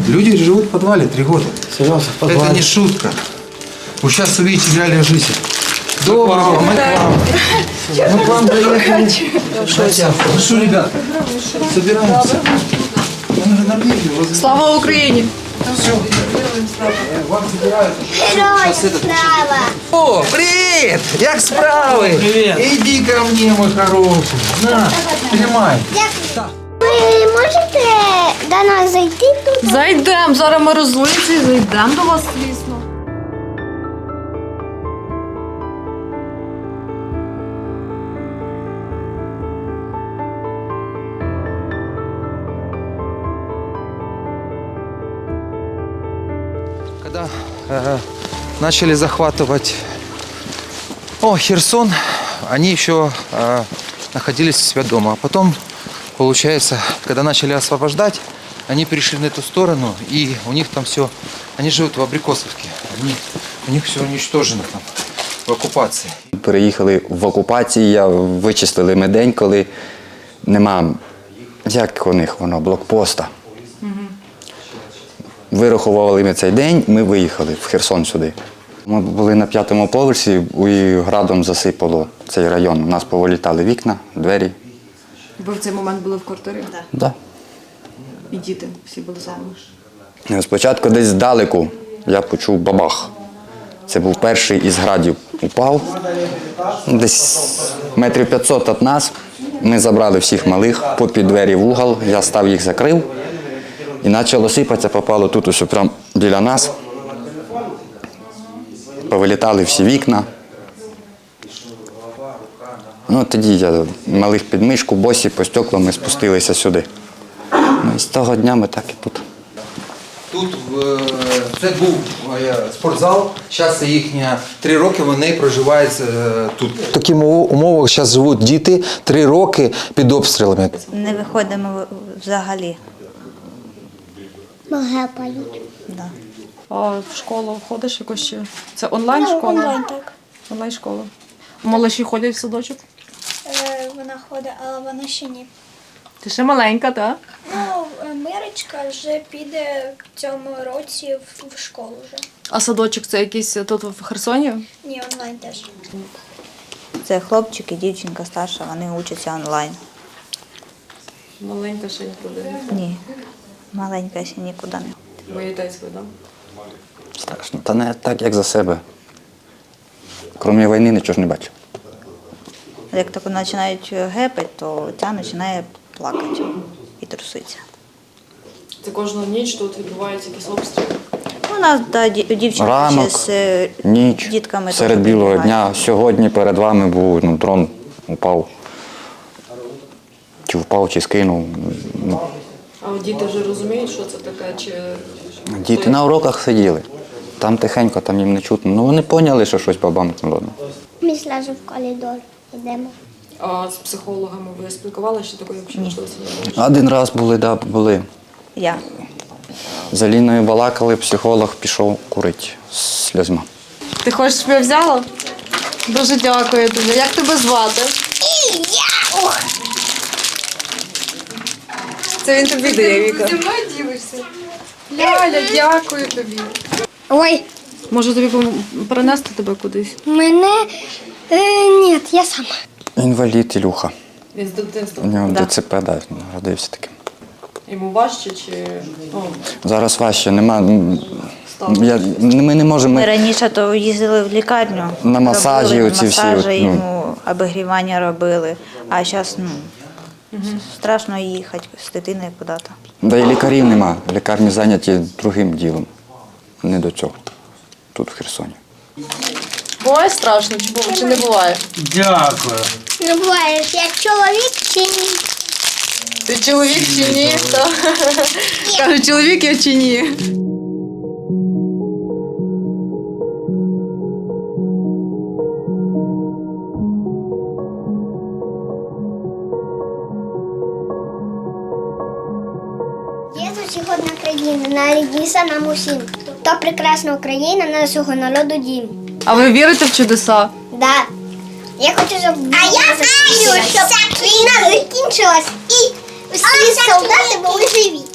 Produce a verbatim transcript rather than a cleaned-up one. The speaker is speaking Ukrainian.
Люди живут в подвале три года. Серьезно, в подвале? Это не шутка. Вы сейчас увидите реальную жизнь. Доброго, мы к вам. Мы к вам доехали. Ну что, ребят, собираемся. Слава Україні! Все. Вам забирают. Героям слава! О, привет! Як справи? Привет. Иди ко мне, мой хороший. На, тримай. Ви можете до нас зайти тут? Зайдемо, зараз ми розлуємося і зайдемо до вас, звісно. Когда э, начали захватывать о, Херсон, они еще э, находились у себя дома. А потом, получается, когда начали освобождать, они перешли на эту сторону, и у них там все, они живут в Абрикосовке, они, у них все уничтожено там в оккупации. Переїхали в окупації, я вичислили ми день, коли нема, як у них воно, блокпоста. Вирахували ми цей день, ми виїхали в Херсон сюди. Ми були на п'ятому поверсі, і градом засипало цей район. У нас повилітали вікна, двері. Ви в цей момент були в квартирі? Так. Да. І діти всі були самі. Спочатку десь здалеку я почув бабах. Це був перший із градів. Упав. Десь метрів п'ятсот від нас. Ми забрали всіх малих, попід двері в угол, я став їх закрив. І почало сипатися, попало тут ось прямо біля нас. Повилітали всі вікна. Ну, тоді я малих під мишку, босі по стеклам ми спустилися сюди. Ну, і з того дня ми так і тут. Тут е, це був е, спортзал, зараз їхні три роки вони проживають е, тут. В таких умовах зараз живуть діти три роки під обстрілами. Не виходимо взагалі. Магапають. Да. А в школу ходиш якось ще? Це онлайн-школа? Онлайн, так. Онлайн-школа. Малиші ходять в садочок? Е, Вона ходить, але вона ще ні. Ти ще маленька, так? Ну, Мирочка вже піде в цьому році в, в школу вже. А садочок це якийсь тут в Херсоні? Ні, онлайн теж. Це хлопчик і дівчинка старша, вони учаться онлайн. Маленька ще нікуди. Ні, маленька ще нікуди не. Боїтесь ви, так? Страшно. Та не так, як за себе. Крім війни нічого ж не бачив. Як тільки починають гепати, то ця починає плакати і труситься. Це кожну ніч тут відбуваються якісь обстріли? У нас да, ді- дівчинка Ранок, ще з е, ніч, дітками. серед теж білого прибігають. дня. Сьогодні перед вами був ну, дрон, упав. Чи впав, чи скинув. Ну, А от діти вже розуміють, що це таке? Чи... діти на уроках сиділи. Там тихенько, там їм не чутно. Ну вони поняли, що щось побамкнуло. Ми зразу в коридор йдемо. А з психологами ви спілкувалися, чи такої взагалі можливості не було? Один раз були, да, були. Я. З Аліною балакали, психолог пішов курити з сльозьма. Ти хочеш, щоб я взяла? Дуже дякую тобі. Як тебе звати? Це він тобі дає, Віка. Зі мною дивишся. Ляля, дякую тобі. Ой, Може тобі пом- перенести тебе кудись? мене... Е, ні, я сама. Інвалід Ілюха. Він з дитинства. У нього Да. ДЦП, да, родився таким. Йому важче чи ну, Зараз важче, нема. м, стало? Я, ми не можемо. Ми Ми, раніше то їздили в лікарню. На масажі робили оці всі, масажі, от, ну. йому обігрівання робили. А зараз ну, страшно їхати з дитиною куди-то. да і лікарів нема. Лікарні зайняті другим ділом. Не до цього. Тут в Херсоні. Буває страшно, чи, бу- чи не буває? Дякую. Не буваєш, як чоловік чи ні? Ти чоловік чи ні? Та. Каже, чоловік я чи ні? Є усіх одна країна, народився нам усім. То прекрасна Україна, нашого народу дім. А ви вірите в чудеса? Да. Я хочу, щоб а я знаю, щоб війна закінчилась і всі солдати були живі.